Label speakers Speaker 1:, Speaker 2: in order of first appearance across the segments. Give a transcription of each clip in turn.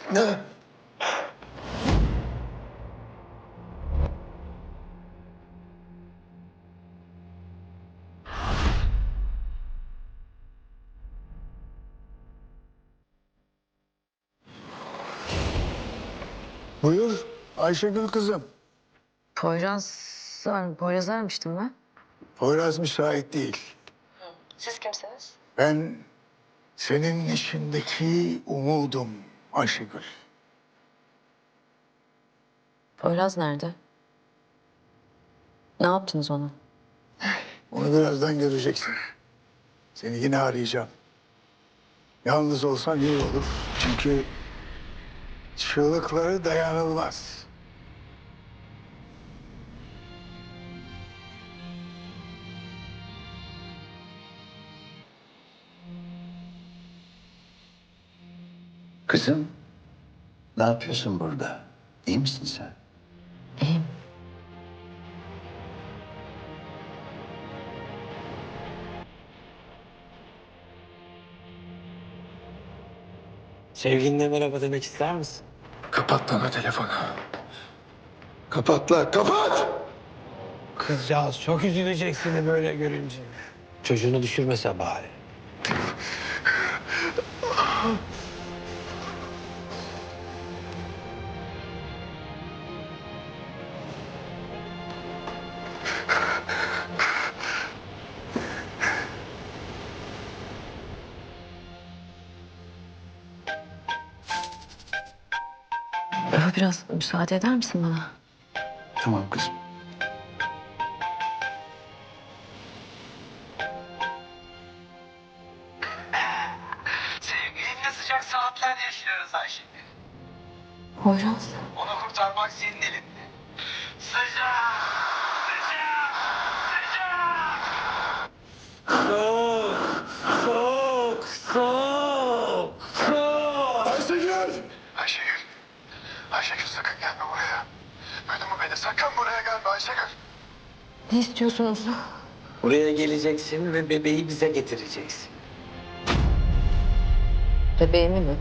Speaker 1: Buyur Ayşegül kızım.
Speaker 2: Poyraz aramıştım ben.
Speaker 1: Poyraz müsait değil.
Speaker 2: Siz kimsiniz?
Speaker 1: Ben senin içindeki umudum Ayşegül.
Speaker 2: Poyraz nerede? Ne yaptınız ona?
Speaker 1: Onu birazdan göreceksin. Seni yine arayacağım. Yalnız olsan iyi olur. Çünkü çığlıkları dayanılmaz.
Speaker 3: Kızım, ne yapıyorsun burada? İyi misin sen?
Speaker 2: İyiyim.
Speaker 4: Sevgilinle merhaba demek ister misin?
Speaker 1: Kapat lan o telefonu. Kapat lan, kapat!
Speaker 4: Kızcağız çok üzülecek seni böyle görünce. Çocuğunu düşürmese bari.
Speaker 2: Biraz müsaade eder misin bana?
Speaker 3: Tamam kızım.
Speaker 4: Sevgilinle sıcak saatler yaşıyoruz Ayşegül.
Speaker 2: Poyraz.
Speaker 4: Onu kurtarmak senin elinde. Sıcak! Sıcak! Sıcak! Soğuk! Soğuk! Soğuk! Soğuk!
Speaker 1: Ayşegül! Ayşegül! Ayşegül sakın gelme buraya. Duydun mu beni? Sakın buraya gelme Ayşegül.
Speaker 2: Ne istiyorsunuz?
Speaker 4: Buraya geleceksin ve bebeği bize getireceksin.
Speaker 2: Bebeğimi mi?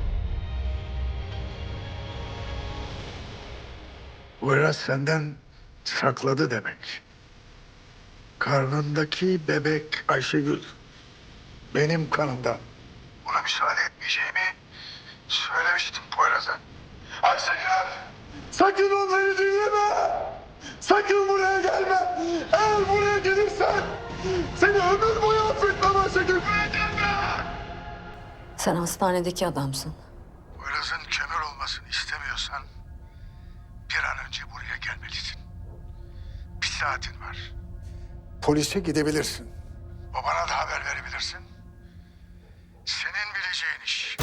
Speaker 1: Poyraz senden sakladı demek. Karnındaki bebek Ayşegül benim kanımdan. Buna müsaade etmeyeceğimi söylemiştim Poyraz'a. Ayşegül! Sakın onları dinleme! Sakın buraya gelme! Eğer buraya gelirsen seni ömür boyu affetmem Ayşegül! Buraya gelme!
Speaker 2: Sen hastanedeki adamsın.
Speaker 1: Poyraz'ın kömür olmasını istemiyorsan bir an önce buraya gelmelisin. Bir saatin var. Polise gidebilirsin. Babana da haber verebilirsin. Senin bileceğin iş.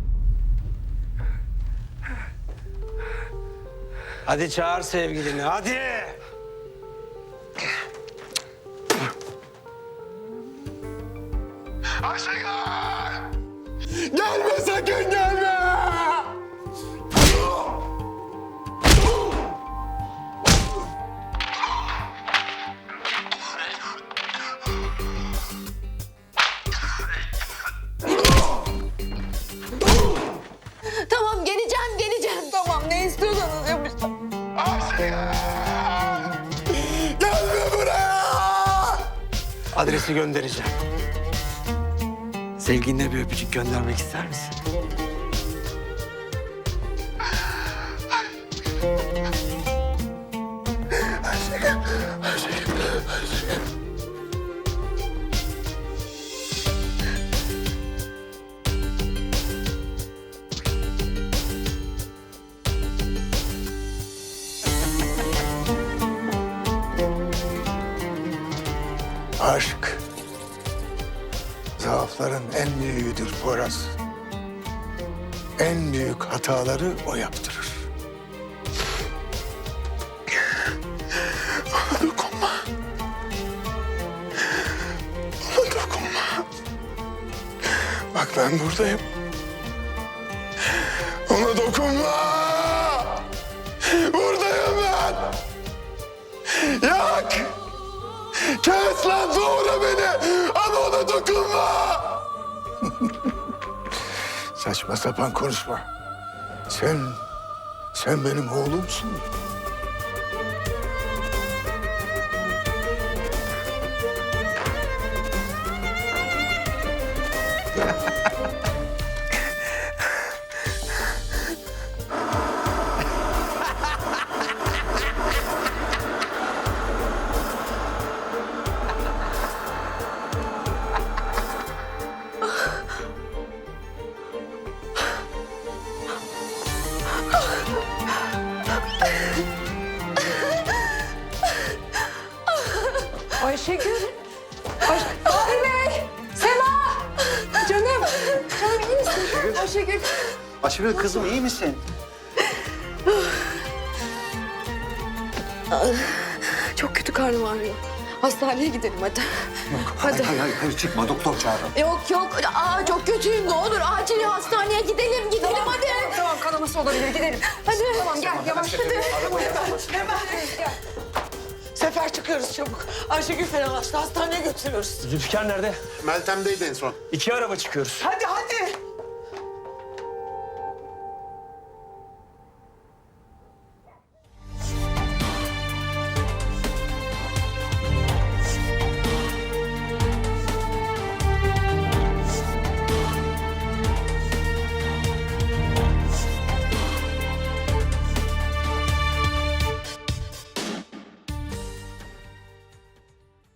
Speaker 4: Hadi çağır sevgilini, hadi!
Speaker 1: Ayşegül! Gelme sakın gelme!
Speaker 2: Tamam geleceğim. Tamam ne istiyorsanız yapacağım.
Speaker 1: Ayşegül! Gelme buraya!
Speaker 4: Adresi göndereceğim. Sevgiline bir öpücük göndermek ister misin?
Speaker 1: Aşk zaafların en büyüğüdür Poyraz. En büyük hataları o yaptırır. Ona dokunma. Ona dokunma. Bak ben buradayım. Ona dokunma. Buradayım ben. Yak. Kes lan doğra beni. Ama ona dokunma. Saçma sapan konuşma. Sen benim oğlumsun.
Speaker 5: Ayşegül. Bahri Bey. Sema. Canım. Canım iyi misin? Ayşegül.
Speaker 3: Ayşegül kızım iyi misin?
Speaker 5: Çok kötü karnım ağrıyor. Hastaneye gidelim hadi. Hadi.
Speaker 3: Hayır çıkma doktor çağırın.
Speaker 5: Yok. Aa, çok kötüyüm. Ne olur acil hastaneye gidelim hadi. Tamam kanaması olabilir gidelim. Hadi. Tamam gel yavaş hadi. Hemen gel.
Speaker 6: Sefer çıkıyoruz çabuk. Ayşegül fenalaştı. Hastaneye götürüyoruz.
Speaker 4: Zülfikar nerede?
Speaker 1: Meltem'deydi en son.
Speaker 4: 2 araba çıkıyoruz.
Speaker 6: Hadi.